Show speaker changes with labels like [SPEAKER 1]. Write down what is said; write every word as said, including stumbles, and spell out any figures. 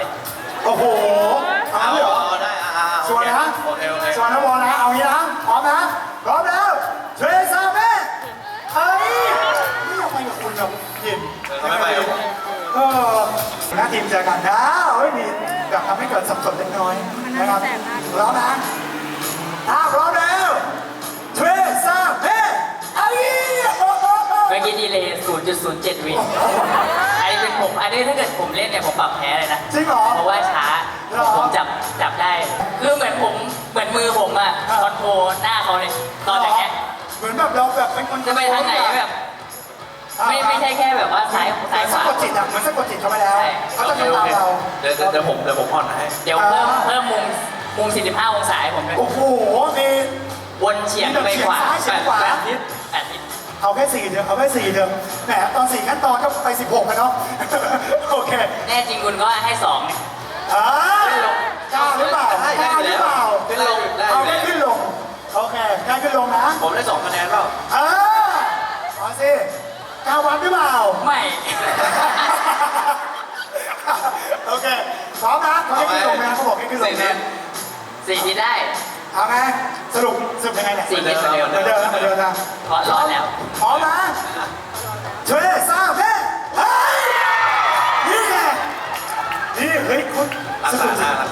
[SPEAKER 1] โอ้โหเอา
[SPEAKER 2] เอา
[SPEAKER 1] เลยเหรอ
[SPEAKER 2] ได้อ่า
[SPEAKER 1] ชวนนะ
[SPEAKER 2] โอเคโอเค
[SPEAKER 1] ชวนนะบอลนะเอางี้นะพร้อมนะพร้อมแล้วเทรซาเม่เฮ้ยนี่ยังไปกับคุณกับยิน
[SPEAKER 2] เขาไม่ไปกับผม
[SPEAKER 1] เออหน้าทีมเจอกันนะเฮ้ยมีแบบทำให้เกิดสับสนเล็กน้อยนะครับพร้อมนะถ้าพร้อมแล้วเทรซาเม่เอ้ย
[SPEAKER 3] เมื่อกี้ดีเลย ศูนย์จุดศูนย์เจ็ด วิอันนี้เป็นผม อันนี้ถ้าเกิดผมเล่นเนี่ยผมปรับแพ้เลยนะ
[SPEAKER 1] จริงเหรอ
[SPEAKER 3] เพราะว่าช้า
[SPEAKER 1] หรอ
[SPEAKER 3] ผมจับจับได้ คือเหมือนผม เหมือนมือผมอะ
[SPEAKER 1] อ่า
[SPEAKER 3] คอนโทรลหน้าเขาเลยตอนอย่างเงี้ย
[SPEAKER 1] เหมือนแบบเราแบบเป็นคน
[SPEAKER 3] จะไปทางไหนแบบ ไม่ไม่ใช่แค่แบบว่าซ้ายซ้ายข
[SPEAKER 1] สะ
[SPEAKER 3] วาก
[SPEAKER 1] ดจิตอ่ะเหมือนสะกดจิตเข้าไปแล้ว
[SPEAKER 3] ใช่
[SPEAKER 1] เขาจะทำตามเรา
[SPEAKER 2] เดี๋ยวเดี๋ยวผมเดี๋ยวผมผ่อนให้
[SPEAKER 3] เดี๋ยวเพิ่มเพิ่มมุมมุม สี่สิบห้า องศาให้ผมด้วย
[SPEAKER 1] โอ้โหมี
[SPEAKER 3] วนเฉียงไปขวา
[SPEAKER 1] เฉียงซ้ายเฉียงขวา
[SPEAKER 3] แปดทิศแปดทิศ
[SPEAKER 1] เอาแค่สี่เดือนเอาแค่สี่เดือนแหมตอนสี่ขั้นตอนก็ไปสิบหกแล้วเนาะ โอเค
[SPEAKER 3] แน่จริงคุณก็ให้สอง
[SPEAKER 1] อ่ากล้าหรือเปล่ากล้าหรือเปล่า
[SPEAKER 2] ขึ้นลงได้
[SPEAKER 1] เอาแค่ขึ้นลงโอเคกล้าขึ้นลงนะ
[SPEAKER 2] ผมได้สองคะแนนเปล่า
[SPEAKER 1] อ่าเอาสิกล้าวัดหรือเปล่า
[SPEAKER 3] ไม่
[SPEAKER 1] โอเคพร้อมนะเขาให้ขึ้นลงนะเขาบอกให้ขึ้นลง
[SPEAKER 2] สี่เดื
[SPEAKER 1] นะ
[SPEAKER 2] อน
[SPEAKER 3] สี่ทิศได้
[SPEAKER 1] เอาไงสรุปสรุปยังไงเนี่ย
[SPEAKER 3] สี่ทิศเหมือนเดิม
[SPEAKER 1] เหมือนเดิมนะเหมือนเดิมนะ
[SPEAKER 3] เพราะร้อนแล้ว
[SPEAKER 1] พร้อมนะเทรซาเพ่เฮ้ยนี่ไงนี่เฮ้ยคุณ
[SPEAKER 2] รักษาหน้ารั